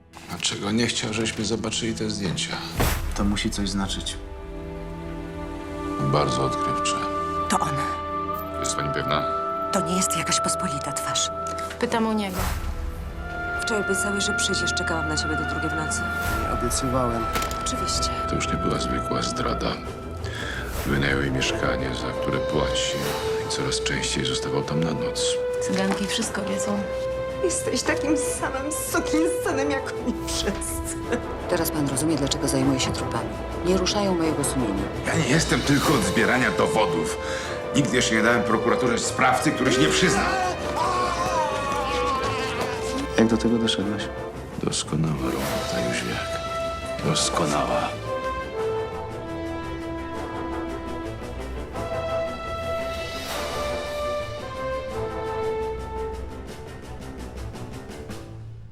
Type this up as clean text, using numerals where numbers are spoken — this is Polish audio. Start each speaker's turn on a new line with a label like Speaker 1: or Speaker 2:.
Speaker 1: Dlaczego nie chciał, żeśmy zobaczyli te zdjęcia?
Speaker 2: To musi coś znaczyć.
Speaker 1: Bardzo odkrywcze.
Speaker 3: To on.
Speaker 1: Jest pani pewna?
Speaker 3: To nie jest jakaś pospolita twarz.
Speaker 4: Pytam o niego.
Speaker 5: Wczoraj obiecałeś, że przyjdziesz. Czekałam na ciebie do 2 w nocy.
Speaker 2: Nie obiecywałem.
Speaker 5: Oczywiście.
Speaker 1: To już nie była zwykła zdrada. Wynajął jej mieszkanie, za które płaci. I coraz częściej zostawał tam na noc.
Speaker 4: Cyganki wszystko wiedzą.
Speaker 5: Jesteś takim samym sukinsynem jak oni wszyscy.
Speaker 6: Teraz pan rozumie, dlaczego zajmuję się trupami. Nie ruszają mojego sumienia.
Speaker 7: Ja nie jestem tylko od zbierania dowodów. Nigdy jeszcze nie dałem prokuraturze sprawcy, który się nie przyznał.
Speaker 2: Jak do tego doszedłeś?
Speaker 1: Doskonała robota, Jóźwiak. Doskonała.